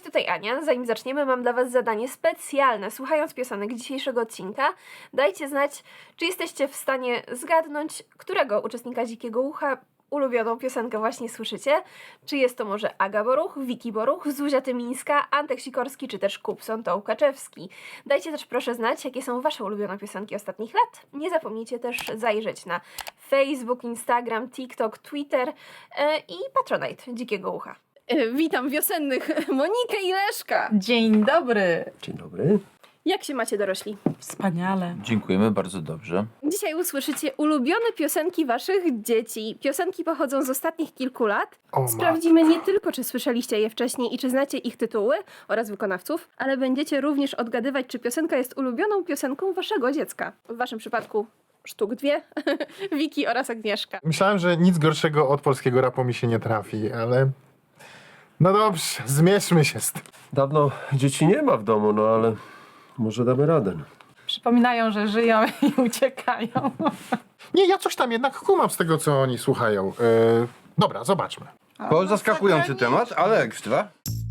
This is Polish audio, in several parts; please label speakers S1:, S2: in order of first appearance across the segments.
S1: tutaj Ania. Zanim zaczniemy, mam dla Was zadanie specjalne. Słuchając piosenek dzisiejszego odcinka, dajcie znać, czy jesteście w stanie zgadnąć, którego uczestnika Dzikiego Ucha ulubioną piosenkę właśnie słyszycie. Czy jest to może Aga Boruch, Wiki Boruch, Zuzia Tymińska, Antek Sikorski, czy też Kupson Tołkaczewski. Dajcie też proszę znać, jakie są Wasze ulubione piosenki ostatnich lat. Nie zapomnijcie też zajrzeć na Facebook, Instagram, TikTok, Twitter i Patronite Dzikiego Ucha. Witam wiosennych Monikę i Leszka.
S2: Dzień dobry.
S3: Dzień dobry.
S1: Jak się macie, dorośli?
S2: Wspaniale.
S4: Dziękujemy bardzo dobrze.
S1: Dzisiaj usłyszycie ulubione piosenki waszych dzieci. Piosenki pochodzą z ostatnich kilku lat. Sprawdzimy nie tylko, czy słyszeliście je wcześniej i czy znacie ich tytuły oraz wykonawców, ale będziecie również odgadywać, czy piosenka jest ulubioną piosenką waszego dziecka. W waszym przypadku sztuk dwie. Wiki oraz Agnieszka.
S5: Myślałem, że nic gorszego od polskiego rapu mi się nie trafi, ale... No dobrze, zmierzmy się z tym.
S3: Dawno dzieci nie ma w domu, no ale może damy radę.
S2: Przypominają, że żyją i uciekają.
S5: Nie, ja coś tam jednak kumam z tego, co oni słuchają. Dobra, zobaczmy.
S6: To zaskakujący temat, ale ekstra.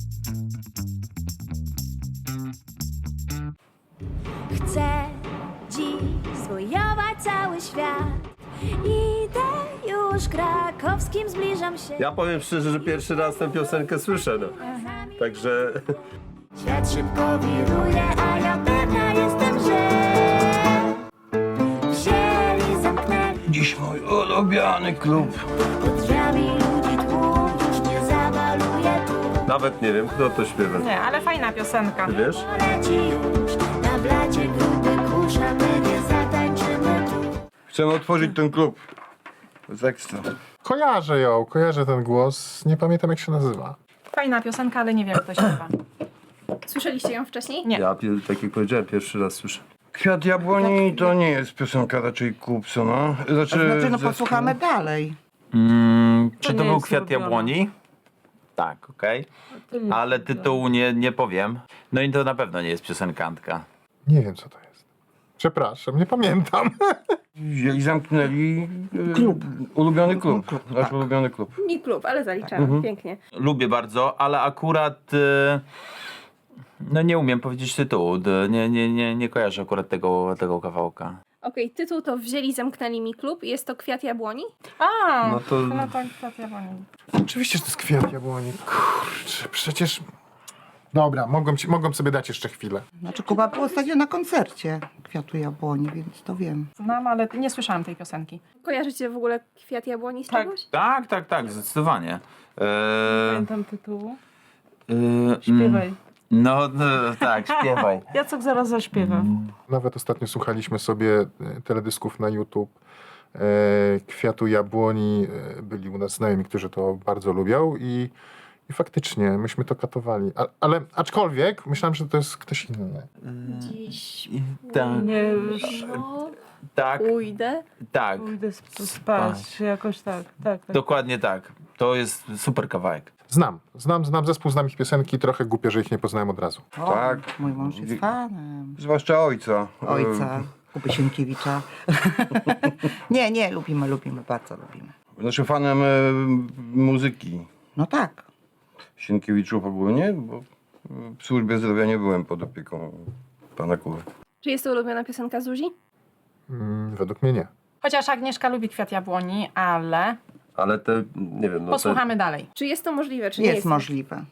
S7: Chcę dziś zwojować cały świat. Idę już krakowskim, zbliżam się.
S3: Ja powiem szczerze, że pierwszy raz tę piosenkę słyszę, no. Także
S7: Świat szybko wiruje, a ja pewna jestem, że wzięli, zamknęli
S6: Dziś mój ulubiony klub.
S7: pod drzwiami ludzi tłum, już nie zabaluje tu.
S3: nawet nie wiem, kto to śpiewa.
S2: Nie, ale fajna piosenka.
S3: Ty wiesz?
S7: Leci już na blacie gruby kurz, a my nie zatańczymy tu.
S6: Chcemy otworzyć ten klub. To jest ekstra.
S5: Kojarzę ją, kojarzę ten głos. Nie pamiętam, jak się nazywa.
S2: Fajna piosenka, ale nie wiem, kto śpiewa.
S1: Słyszeliście ją wcześniej?
S2: Nie.
S3: Ja, tak jak powiedziałem, pierwszy raz słyszę.
S6: Kwiat jabłoni to nie jest piosenka raczej Kupsona.
S8: Znaczy, no posłuchamy dalej.
S4: Czy
S2: nie
S4: to był
S2: jest
S4: Kwiat
S2: ulubione.
S4: Jabłoni? Tak, okej. Ale tytułu nie powiem. No i to na pewno nie jest piosenkantka.
S5: Nie wiem, co to jest. Przepraszam, nie pamiętam.
S6: I zamknęli klub. Ulubiony klub. Nasz ulubiony klub.
S1: Mi klub, ale zaliczamy. Pięknie.
S4: Lubię bardzo, ale akurat no nie umiem powiedzieć tytułu. Nie kojarzę akurat tego kawałka.
S1: Okej, tytuł to Wzięli, zamknęli mi klub. Jest to Kwiat Jabłoni.
S2: A,
S3: No to-
S2: no to Kwiat Jabłoni.
S5: Oczywiście, że to jest kwiat jabłoni. Kurczę, przecież... Dobra, mogą sobie dać jeszcze chwilę.
S8: Znaczy, Kuba był ostatnio na koncercie Kwiatu Jabłoni, więc to wiem.
S2: Znam, ale nie słyszałam tej piosenki.
S1: Kojarzycie w ogóle Kwiat Jabłoni z
S2: Tak.
S1: czegoś?
S4: Tak, zdecydowanie.
S2: Pamiętam tytułu.
S4: Mm,
S2: Śpiewaj.
S4: No, tak, śpiewaj.
S2: Jacek zaraz zaśpiewa.
S5: Nawet ostatnio słuchaliśmy sobie teledysków na YouTube. Kwiatu jabłoni. Byli u nas znajomi, którzy to bardzo lubią i faktycznie myśmy to katowali. Ale aczkolwiek myślałem, że to jest ktoś inny.
S1: Dziś
S4: Tak,
S2: Nie,
S4: tak,
S1: pójdę.
S4: tak.
S2: pójdę spać, jakoś tak.
S4: Dokładnie tak. To jest super kawałek.
S5: Znam zespół, znam ich piosenki. Trochę głupio, że ich nie poznałem od razu.
S8: O,
S6: Tak.
S8: Mój mąż jest fanem.
S6: Zwłaszcza ojca.
S8: Ojca Kuby Sienkiewicza. nie, lubimy, bardzo lubimy.
S6: Znaczy fanem muzyki.
S8: No tak.
S6: Sienkiewiczów ogólnie, bo w służbie zdrowia nie byłem pod opieką pana Kuby.
S1: Czy jest to ulubiona piosenka Zuzi?
S5: Według mnie nie.
S2: Chociaż Agnieszka lubi Kwiat Jabłoni, ale
S3: Ale te, nie wiem, no
S2: posłuchamy dalej.
S1: Czy jest to możliwe, czy nie
S8: Jest
S1: jest?
S8: możliwe.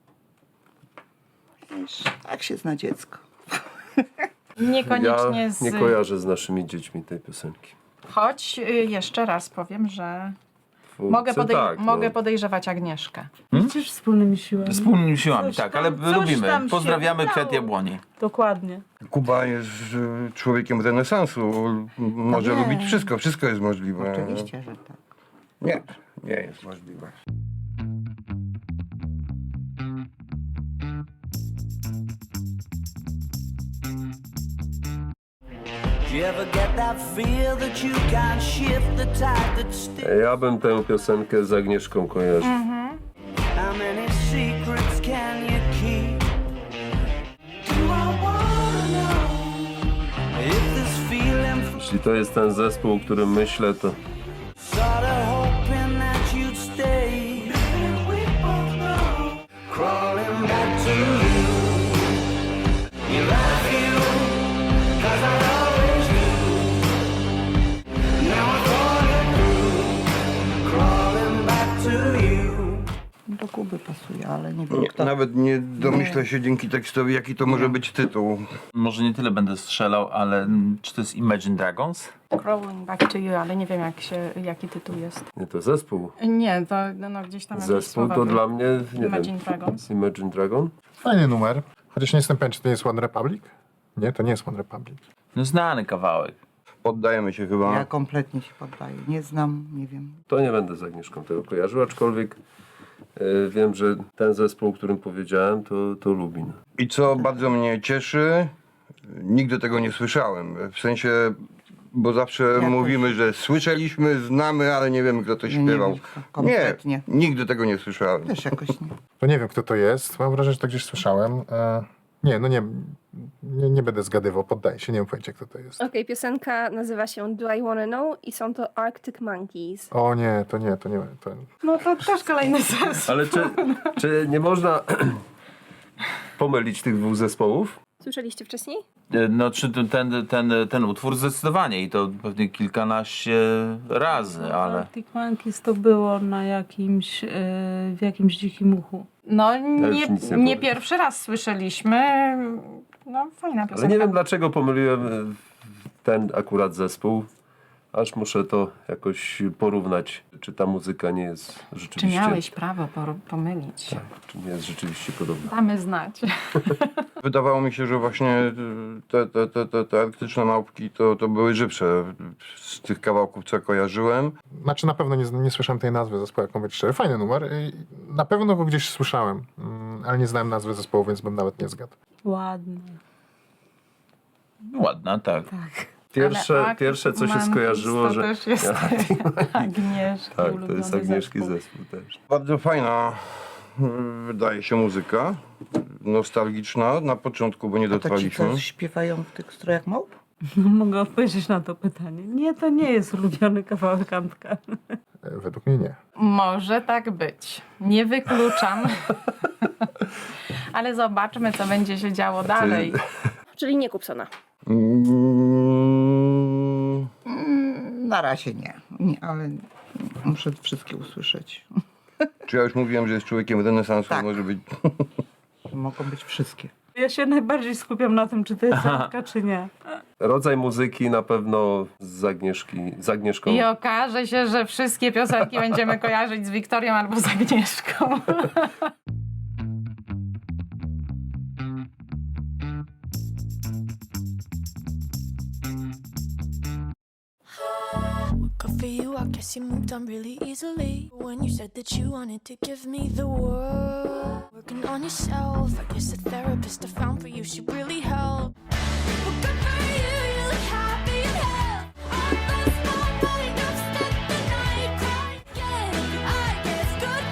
S8: Wiesz, tak się zna dziecko.
S2: Niekoniecznie
S3: Ja
S2: z...
S3: nie kojarzę z naszymi dziećmi tej piosenki.
S2: Choć jeszcze raz powiem, że
S3: Twórcy, tak,
S2: mogę
S3: no.
S2: podejrzewać Agnieszkę.
S9: Przecież wspólnymi siłami.
S4: Wspólnymi siłami,
S9: Coś
S4: tak,
S9: tam-
S4: ale
S9: coś
S4: lubimy.
S9: tam się
S4: Pozdrawiamy
S9: udało.
S4: Kwiat Jabłoni.
S9: Dokładnie.
S6: Kuba jest człowiekiem renesansu. Może
S8: nie.
S6: lubić wszystko. Wszystko jest możliwe.
S8: Oczywiście, że tak.
S6: Nie jest możliwe.
S3: Ja bym tę piosenkę z Agnieszką kojarzył. Jeśli to jest ten zespół, o którym myślę, to
S7: Crawling back to
S8: by pasuje, ale nie wiem
S6: Nie,
S8: kto.
S6: nawet nie domyślę się dzięki tekstowi, jaki to może być tytuł.
S4: Może nie tyle będę strzelał, ale czy to jest Imagine Dragons?
S2: Crawling Back to You, ale nie wiem jaki tytuł jest.
S3: Nie, to zespół.
S2: Nie, to no, gdzieś tam jakieś
S3: Zespół
S2: słowa
S3: to
S2: były.
S3: dla mnie, nie
S2: Imagine
S3: wiem.
S2: Dragons.
S3: Imagine Dragon?
S5: Fajny numer. Chociaż nie jestem pewien, czy to nie jest One Republic? Nie, to nie jest One Republic.
S4: No znany kawałek.
S6: Poddajemy się chyba.
S8: Ja kompletnie się poddaję. Nie znam, nie wiem.
S3: To nie będę z Agnieszką tego kojarzył, aczkolwiek wiem, że ten zespół, o którym powiedziałem, to Lubin.
S6: I co bardzo mnie cieszy, nigdy tego nie słyszałem. W sensie, bo zawsze
S8: Ja
S6: mówimy, że słyszeliśmy, znamy, ale nie wiemy, kto to
S8: Nie
S6: śpiewał.
S8: wiem, kto. Kompletnie.
S6: Nie, nigdy tego nie słyszałem.
S8: Też jakoś nie.
S5: To nie wiem, kto to jest. Mam wrażenie, że to gdzieś słyszałem. Nie będę zgadywał, poddaję się, nie mam pojęcia, kto to jest.
S1: Okej, piosenka nazywa się Do I Wanna Know i są to Arctic Monkeys.
S5: O nie, to nie.
S2: No to też kolejny sens.
S3: Ale czy nie można pomylić tych dwóch zespołów?
S1: Słyszeliście wcześniej?
S4: No czy ten utwór zdecydowanie i to pewnie kilkanaście razy, ale...
S9: Arctic Monkeys to było na jakimś, w jakimś dzikim uchu.
S2: No
S3: już nic nie
S2: nie
S3: powiem.
S2: pierwszy raz słyszeliśmy. No fajna piosenka.
S3: Ale nie wiem, dlaczego pomyliłem ten akurat zespół. Aż muszę to jakoś porównać, czy ta muzyka nie jest
S2: Czy
S3: rzeczywiście...
S2: miałeś prawo pomylić?
S3: Tak, czy nie jest rzeczywiście podobna.
S2: Damy znać.
S6: Wydawało mi się, że właśnie te arktyczne małpki to były żywsze z tych kawałków, co kojarzyłem.
S5: Znaczy na pewno nie słyszałem tej nazwy zespołu, jak mówię szczerze. Fajny numer. Na pewno go gdzieś słyszałem, ale nie znałem nazwy zespołu, więc bym nawet nie zgadł.
S9: Ładne.
S4: Ładna, tak.
S3: Pierwsze co się
S2: Monkeys
S3: skojarzyło,
S2: to
S3: że...
S2: też jest Agnieszki
S3: Tak, to
S2: ulubiony
S3: jest Agnieszki
S2: zespół.
S3: zespół też.
S6: Bardzo fajna wydaje się muzyka. Nostalgiczna na początku, bo nie
S8: A to ci,
S6: dotrwaliśmy.
S8: co śpiewają w tych strojach małp?
S9: No, mogę odpowiedzieć na to pytanie. Nie, to nie jest ulubiony kawałek Antka.
S5: Według mnie nie.
S2: Może tak być. Nie wykluczam. Ale zobaczmy, co będzie się działo dalej.
S1: Czyli nie Kupsona.
S8: Na razie nie, ale muszę wszystkie usłyszeć.
S6: Czy ja już mówiłem, że jest człowiekiem renesansu?
S8: Tak.
S6: Może być.
S8: Mogą być wszystkie.
S9: Ja się najbardziej skupiam na tym, czy to jest Antka, czy nie.
S3: Rodzaj muzyki na pewno z Agnieszką.
S2: I okaże się, że wszystkie piosenki będziemy kojarzyć z Wiktorią albo z Agnieszką.
S7: Good for you, I guess you moved on really easily. When you said that you wanted to give me the world, working on yourself, I guess the therapist I found for you should really help. Well, good for you, you look happy in hell. All last night, I've spent the night crying. Yeah, I guess good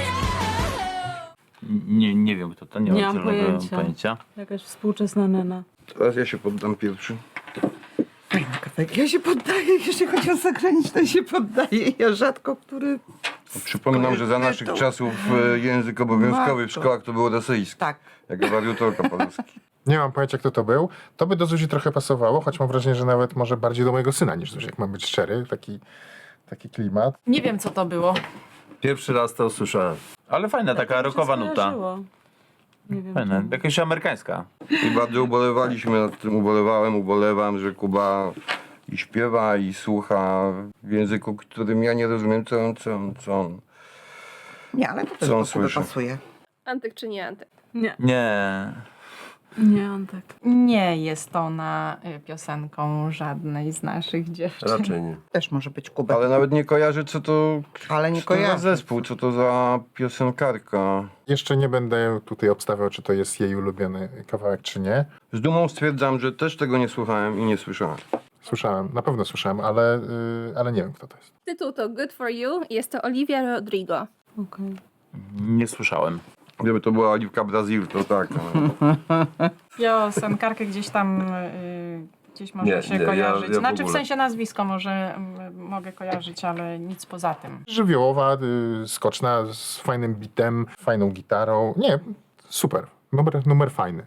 S7: for you.
S4: Nie wiem kto to, nie
S9: Nie
S4: mam
S9: mam
S4: zielonego
S9: pojęcia. Jakaś współczesna nena.
S6: Teraz ja się poddam pierwszy.
S8: Fajny kawałek. Ja się poddaję, jeśli chodzi o zagraniczne, ja się poddaję. Ja rzadko, który...
S6: Przypominam, że za naszych czasów język obowiązkowy w
S8: Matko.
S6: szkołach to było rosyjski.
S8: Tak.
S6: Jak wariutorka polski.
S5: Nie mam pojęcia, kto to był. To by do Zuzi trochę pasowało, choć mam wrażenie, że nawet może bardziej do mojego syna niż Zuzi, jak mam być szczery. Taki klimat.
S2: Nie wiem, co to było.
S3: Pierwszy raz to usłyszałem.
S4: Ale fajna, taka rockowa nuta.
S9: Skojarzyło. Nie wiem.
S4: Fajna, jakaś amerykańska.
S6: I bardzo ubolewaliśmy nad tym, ubolewam, że Kuba i śpiewa, i słucha w języku, którym ja nie rozumiem, co on.
S8: Nie, ale to też
S6: Co on
S8: do Kuby
S6: słyszy?
S8: pasuje.
S1: Antyk czy nie Antyk?
S9: Nie,
S4: Nie.
S9: nie Antek.
S2: Nie jest ona piosenką żadnej z naszych dziewczyn.
S3: Raczej nie.
S8: Też może być Kuba.
S6: Ale nawet nie kojarzę, co to,
S8: Ale nie
S6: co to za
S8: kojarzę.
S6: zespół, co to za piosenkarka.
S5: Jeszcze nie będę tutaj obstawiał, czy to jest jej ulubiony kawałek, czy nie.
S6: Z dumą stwierdzam, że też tego nie słuchałem i nie słyszałem.
S5: Słyszałem, na pewno słyszałem, ale nie wiem, kto to jest.
S1: Tytuł to Good for You i jest to Olivia Rodrigo.
S9: Okej.
S4: Nie słyszałem.
S6: Gdyby to była Oliwka Brazil, to tak.
S2: Piosenkarkę gdzieś tam gdzieś może
S3: Nie,
S2: się
S3: nie,
S2: kojarzyć.
S3: ja w
S2: Znaczy w
S3: ogóle.
S2: sensie nazwisko może mogę kojarzyć, ale nic poza tym.
S5: Żywiołowa, skoczna, z fajnym bitem, fajną gitarą. Nie, super. Numer fajny.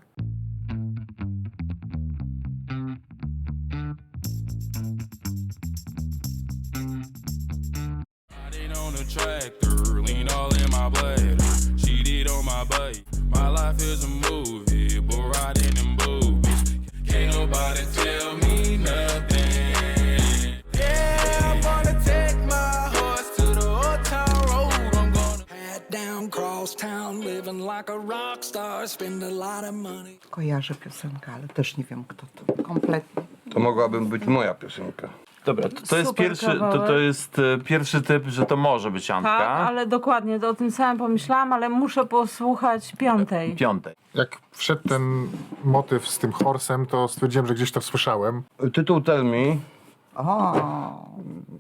S10: Riding on a tractor, lean all in my blade. She on my bike. My life is a movie, bull riding in boobies. Can't nobody tell me nothing. Yeah, I'm gonna take my horse to the old town road. I'm gonna head down cross town, living like a rock star, spend a lot of money.
S8: Kojarzę piosenkę, ale też nie wiem kto to. Kompletnie.
S6: To mogłaby być moja piosenka.
S4: Dobra, to jest
S9: Super
S4: pierwszy,
S9: kawałek.
S4: to jest pierwszy typ, że to może być Antka.
S9: Tak, ale dokładnie, o tym samym pomyślałam, ale muszę posłuchać piątej.
S4: Piątej.
S5: Jak wszedł ten motyw z tym horsem, to stwierdziłem, że gdzieś to słyszałem.
S6: Tytuł Tell Me.
S8: O,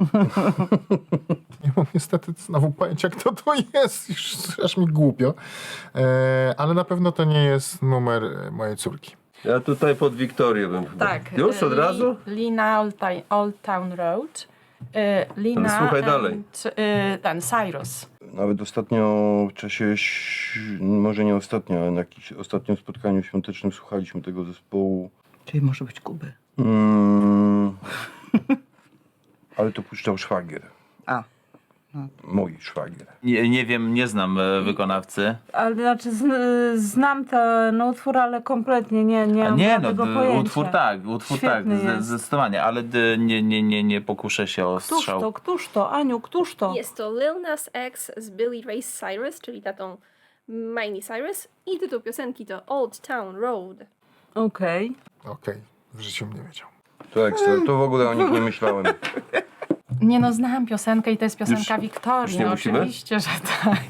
S5: Nie mam niestety znowu pojęcia, kto to jest. Już aż mi głupio. Ale na pewno to nie jest numer mojej córki.
S3: Ja tutaj pod Wiktorię bym chyba.
S2: Tak.
S3: Już od razu?
S2: Lina Old Town Road. Lina
S3: Ale słuchaj dalej.
S2: and, ten Cyrus.
S6: Nawet ostatnio w czasie, może nie ostatnio, ale na jakimś ostatnim spotkaniu świątecznym słuchaliśmy tego zespołu.
S8: czyli może być Kuby.
S6: Ale to puszczał szwagier.
S8: A,
S6: Mój szwagier.
S4: Nie wiem, nie znam wykonawcy.
S9: Ale znaczy znam ten utwór, ale kompletnie nie mam
S4: Nie,
S9: żadnego pojęcia.
S4: utwór tak,
S9: Świetny jest.
S4: zdecydowanie, ale nie pokuszę się o strzał.
S9: Któż to? Aniu, któż to?
S1: Jest to Lil Nas X z Billy Ray Cyrus, czyli tatą Miley Cyrus, i tytuł piosenki to Old Town Road.
S9: Okej.
S5: Okej, w życiu mnie wiedział.
S6: To ekstra, to w ogóle o nich nie myślałem.
S2: Nie no, znałam piosenkę i to jest piosenka
S3: już
S2: Wiktorii.
S3: nie
S2: No,
S3: musimy?
S2: oczywiście, że tak.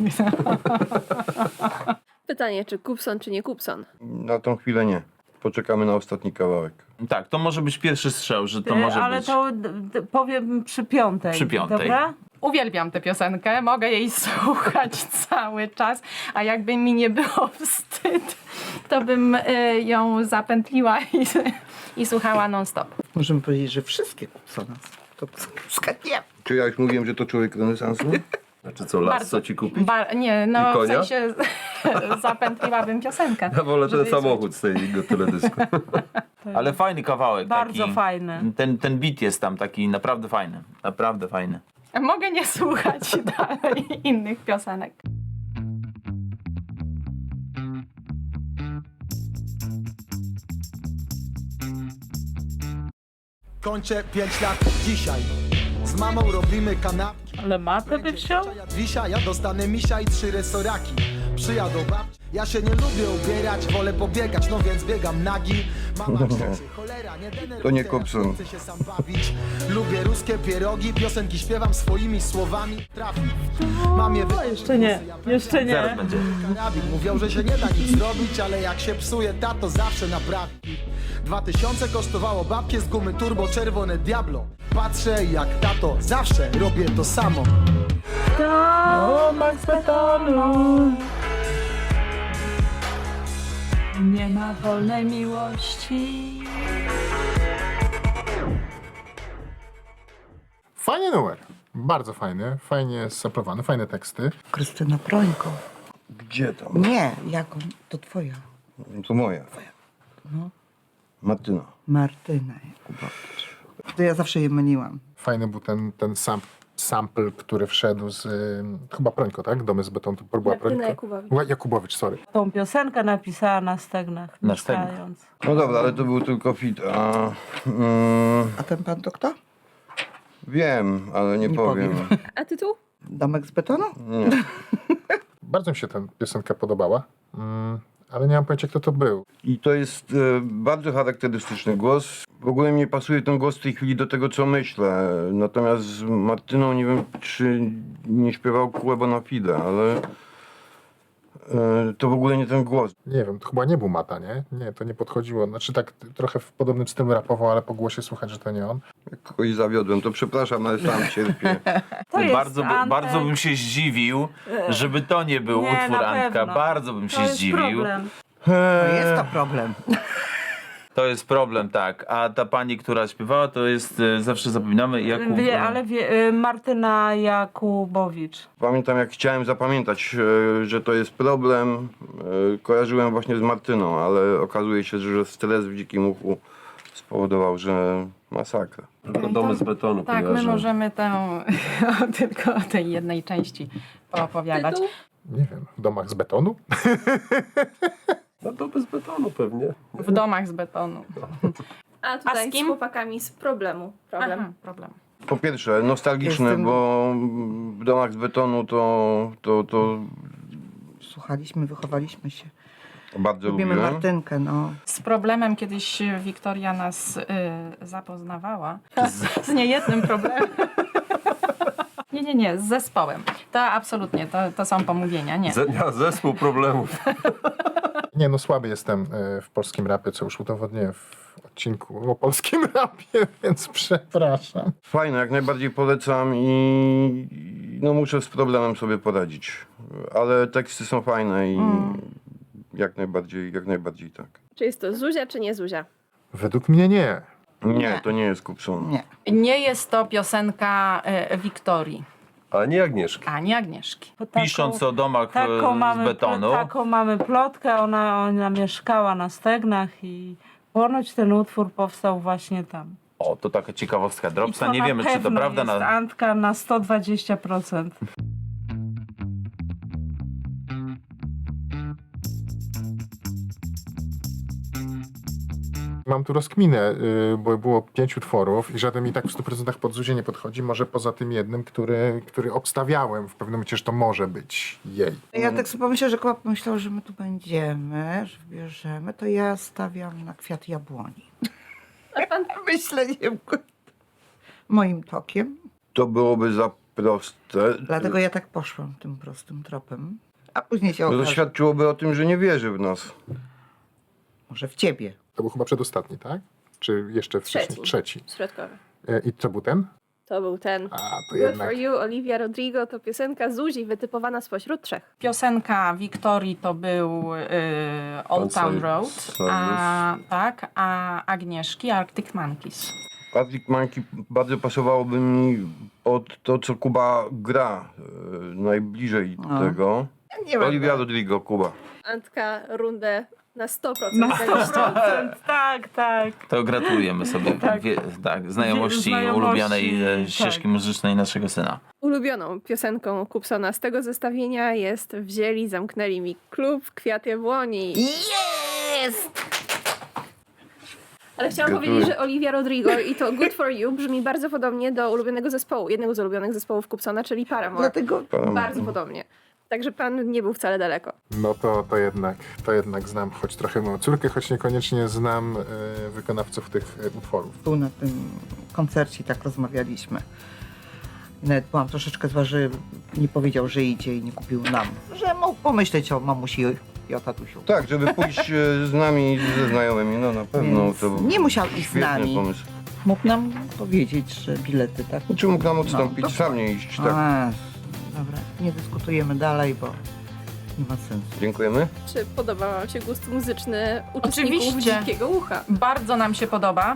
S1: Pytanie, czy Kupson, czy nie Kupson?
S6: Na tą chwilę nie. Poczekamy na ostatni kawałek.
S4: Tak, to może być pierwszy strzał, że to może
S9: Ale
S4: być.
S9: to powiem przy piątej.
S4: Przy piątej.
S9: Dobra?
S2: Uwielbiam tę piosenkę, mogę jej słuchać cały czas, a jakby mi nie było wstyd, to bym ją zapętliła i słuchała non-stop.
S8: możemy powiedzieć, że wszystkie Kupsona. To nie.
S6: Czy ja już mówiłem, że to człowiek renesansu?
S3: Znaczy co, lasso ci kupić?
S2: Nie, no
S3: I
S2: w
S3: konia?
S2: sensie zapętliłabym piosenkę.
S3: Ja wolę ten
S2: żeby
S3: samochód z tego teledysku.
S4: Ale fajny kawałek.
S9: Bardzo
S4: taki,
S9: fajny.
S4: Ten beat jest tam taki naprawdę fajny. Naprawdę fajny.
S2: Mogę nie słuchać dalej innych piosenek.
S11: Kończę 5 lat dzisiaj. Z mamą robimy kanapki.
S9: Ale matę by wziął?
S11: Wisia, ja dostanę misia i 3 resoraki. Przyjadą babci. Ja się nie lubię ubierać, wolę pobiegać, no więc biegam nagi. Mama krzyczy, cholera, nie denerwuj
S6: To nie
S11: teraz,
S6: Kupson.
S11: chcę się sam bawić. Lubię ruskie pierogi, piosenki śpiewam swoimi słowami. Trafi. Mamie
S9: Jeszcze nie, jeszcze
S4: Zaraz
S9: nie.
S4: będzie.
S11: karabin. Mówią, że się nie da nic zrobić, ale jak się psuje, tato zawsze naprawi. 2000 kosztowało babkie z gumy turbo czerwone Diablo. Patrzę jak tato, zawsze robię to samo.
S9: Domek z betonu. Nie ma wolnej miłości.
S5: Fajny numer. Bardzo fajny. Fajnie saplowany, fajne teksty.
S8: Krystyna Prońko.
S6: Gdzie tam?
S8: Nie, jaką? To twoja.
S6: To moja.
S8: No.
S6: Martyna.
S8: Martyna Jakubowicz. To ja zawsze je myliłam.
S5: Fajny był ten sample, który wszedł z chyba Prońko, tak? Domy z betonu. To była
S1: Martyna
S5: Prońko.
S1: Jakubowicz.
S5: Jakubowicz, sorry.
S9: Tą piosenkę napisała na stegnach.
S4: Na stegnach.
S9: mieszkając.
S6: No dobra, ale to był tylko fit.
S8: A ten pan to kto?
S6: Wiem, ale nie,
S8: Nie
S6: powiem.
S8: powiem.
S1: A tytuł?
S8: Domek z betonu?
S6: Nie.
S5: Bardzo mi się ta piosenka podobała, ale nie mam pojęcia, kto to był.
S6: I to jest bardzo charakterystyczny głos. W ogóle mi nie pasuje ten głos w tej chwili do tego, co myślę. Natomiast z Martyną nie wiem, czy nie śpiewał Kłebo na Fide, ale to w ogóle nie ten głos.
S5: Nie wiem, to chyba nie był Mata, nie? Nie, to nie podchodziło. Znaczy tak trochę w podobnym stylu rapował, ale po głosie słychać, że to nie on.
S6: Jak kogoś zawiodłem, to przepraszam, ale sam cierpię.
S9: To jest
S4: Bardzo,
S9: Antek.
S4: bardzo bym się zdziwił, żeby to nie był
S9: Nie,
S4: utwór
S9: na
S4: Antka.
S9: pewno.
S4: Bardzo bym
S9: To
S4: się
S9: jest
S4: zdziwił.
S9: problem.
S8: To jest to problem.
S4: To jest problem, tak. A ta pani, która śpiewała, to jest, zawsze zapominamy, Jakub...
S9: Martyna Jakubowicz.
S6: Pamiętam, jak chciałem zapamiętać, że to jest problem, kojarzyłem właśnie z Martyną, ale okazuje się, że stres w dzikim uchu spowodował, że masakra.
S3: Tylko domy z betonu
S2: Tak, my
S3: kojarzę.
S2: możemy tylko o tej jednej części poopowiadać.
S1: Tytuł?
S5: Nie wiem, w domach z betonu?
S3: No to bez betonu pewnie.
S2: W domach z betonu.
S1: A tutaj
S2: A z kim?
S1: z chłopakami z problemu. Problem.
S2: Aha, problem.
S6: Po pierwsze, nostalgiczne,
S8: Jestem-
S6: bo w domach z betonu to
S8: Słuchaliśmy, wychowaliśmy się.
S6: bardzo
S8: Lubimy
S6: lubiłem.
S8: Martynkę, no.
S2: Z problemem kiedyś Wiktoria nas zapoznawała. Z niejednym problemem. Nie, z zespołem. To absolutnie, to są pomówienia, nie.
S3: Zespół problemów.
S5: Nie, no słaby jestem w polskim rapie, co już udowodniłem w odcinku o polskim rapie, więc przepraszam.
S6: Fajne, jak najbardziej polecam i no muszę z problemem sobie poradzić. Ale teksty są fajne i jak najbardziej tak.
S1: Czy jest to Zuzia, czy nie Zuzia?
S5: Według mnie nie.
S6: Nie, to nie jest Kupson.
S8: Nie.
S2: Nie jest to piosenka Wiktorii,
S3: A nie Agnieszki.
S2: ani Agnieszki.
S9: Bo taką-
S4: Pisząc o domach
S9: taką
S4: z betonu.
S9: Taką mamy plotkę, ona mieszkała na Stegnach i ponoć ten utwór powstał właśnie tam.
S4: O, to taka ciekawostka.
S9: I
S4: Dropsa,
S9: to
S4: nie
S9: na
S4: wiemy, czy to
S9: pewno
S4: prawda.
S9: jest Antka na 120%.
S5: Mam tu rozkminę, bo było 5 utworów i żaden mi tak w 100% pod Zuzię nie podchodzi, może poza tym jednym, który obstawiałem w pewnym momencie, że to może być jej.
S8: Ja tak sobie pomyślałem, że Kuba pomyślał, że my tu będziemy, że wybierzemy, to ja stawiam na Kwiat Jabłoni.
S1: A pan
S8: Myślę, nie wiem, moim tokiem.
S6: To byłoby za proste.
S8: Dlatego ja tak poszłam tym prostym tropem. A później się
S6: No to
S8: okaże,
S6: świadczyłoby o tym, że nie wierzy w nas.
S8: może w ciebie.
S5: To był chyba przedostatni, tak? Czy jeszcze wcześniej? Trzeci.
S1: środkowy.
S5: I co był ten?
S1: To był ten.
S5: A, to
S1: Good
S5: jednak.
S1: for you, Olivia Rodrigo, to piosenka Zuzi wytypowana spośród 3.
S2: Piosenka Wiktorii to był Old Town Road, a Agnieszki Arctic Monkeys.
S6: Arctic Monkey bardzo pasowałoby mi pod to, co Kuba gra. Najbliżej tego.
S8: Nie wiem.
S6: Olivia Rodrigo, Kuba.
S1: Antka rundę na 100%.
S9: Na 100%, tak.
S4: To gratulujemy sobie znajomości
S9: Znajomości,
S4: ulubionej
S9: tak.
S4: ścieżki muzycznej naszego syna.
S1: Ulubioną piosenką Kupsona z tego zestawienia jest Wzięli, zamknęli mi klub, Kwiat Jabłoni.
S8: Jest!
S1: Ale chciałam
S6: Gratuluję.
S1: powiedzieć, że Olivia Rodrigo i to Good for you brzmi bardzo podobnie do ulubionego zespołu, jednego z ulubionych zespołów Kupsona, czyli Paramore.
S8: Dlatego
S1: Bardzo podobnie. Także pan nie był wcale daleko.
S5: No to jednak znam choć trochę moją córkę, choć niekoniecznie znam wykonawców tych utworów.
S8: tu na tym koncercie tak rozmawialiśmy. I nawet byłam troszeczkę zła, że nie powiedział, że idzie i nie kupił nam. Że mógł pomyśleć o mamusi i o tatusiu.
S6: Tak, żeby pójść z nami, ze znajomymi, no na pewno
S8: Więc
S6: to
S8: nie musiał iść z
S6: świetny
S8: nami.
S6: pomysł.
S8: Mógł nam powiedzieć, że bilety, tak?
S6: Czy mógł nam odstąpić,
S8: No,
S6: sam nie iść, tak.
S8: A, dobra, nie dyskutujemy dalej, bo nie ma sensu.
S6: Dziękujemy.
S1: Czy podoba wam się gust muzyczny uczestników
S2: Oczywiście.
S1: Dzikiego Ucha?
S2: Bardzo nam się podoba.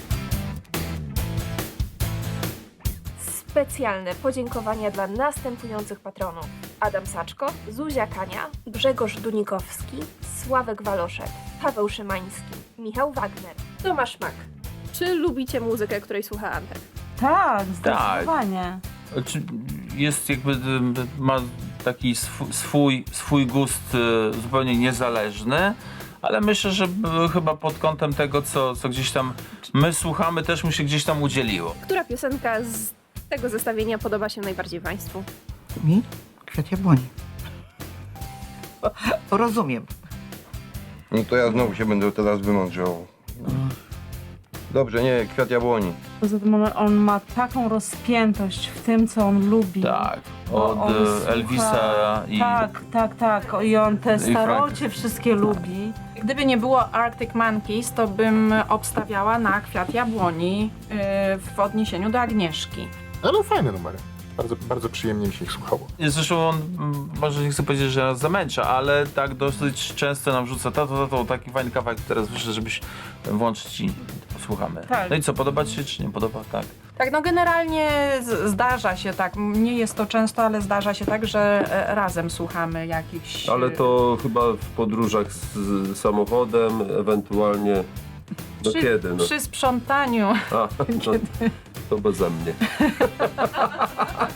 S1: Specjalne podziękowania dla następujących patronów. Adam Saczko, Zuzia Kania, Grzegorz Dunikowski, Sławek Waloszek, Paweł Szymański, Michał Wagner, Tomasz Mak. Czy lubicie muzykę, której słucha Antek?
S9: Tak, zdecydowanie.
S4: Czy jest jakby, ma taki swój gust zupełnie niezależny, ale myślę, że chyba pod kątem tego, co gdzieś tam my słuchamy, też mu się gdzieś tam udzieliło.
S1: Która piosenka z tego zestawienia podoba się najbardziej państwu?
S8: Mi? Kwiat Jabłoni. Rozumiem.
S6: No to ja znowu się będę teraz wymądrzał. Dobrze, nie, Kwiat Jabłoni.
S9: Poza tym on ma taką rozpiętość w tym, co on lubi.
S4: Tak,
S9: Bo
S4: od
S9: on słucha-
S4: Elvisa i...
S9: Tak. I on te starocie wszystkie lubi.
S2: Gdyby nie było Arctic Monkeys, to bym obstawiała na Kwiat Jabłoni w odniesieniu do Agnieszki.
S5: Ale fajne numery. Bardzo, bardzo przyjemnie mi się ich słuchało.
S4: Zresztą on, może nie chcę powiedzieć, że nas zamęcza, ale tak dosyć często nam rzuca tato, taki fajny kawałek teraz wyszedł, żebyś włączyć i posłuchamy.
S2: Tak.
S4: No i co, podoba ci się czy nie podoba? Tak.
S2: Tak, no generalnie zdarza się tak, nie jest to często, ale zdarza się tak, że razem słuchamy jakichś...
S3: Ale to chyba w podróżach z samochodem, ewentualnie... No kiedy? No.
S2: Przy sprzątaniu.
S3: A, no, to beze mnie.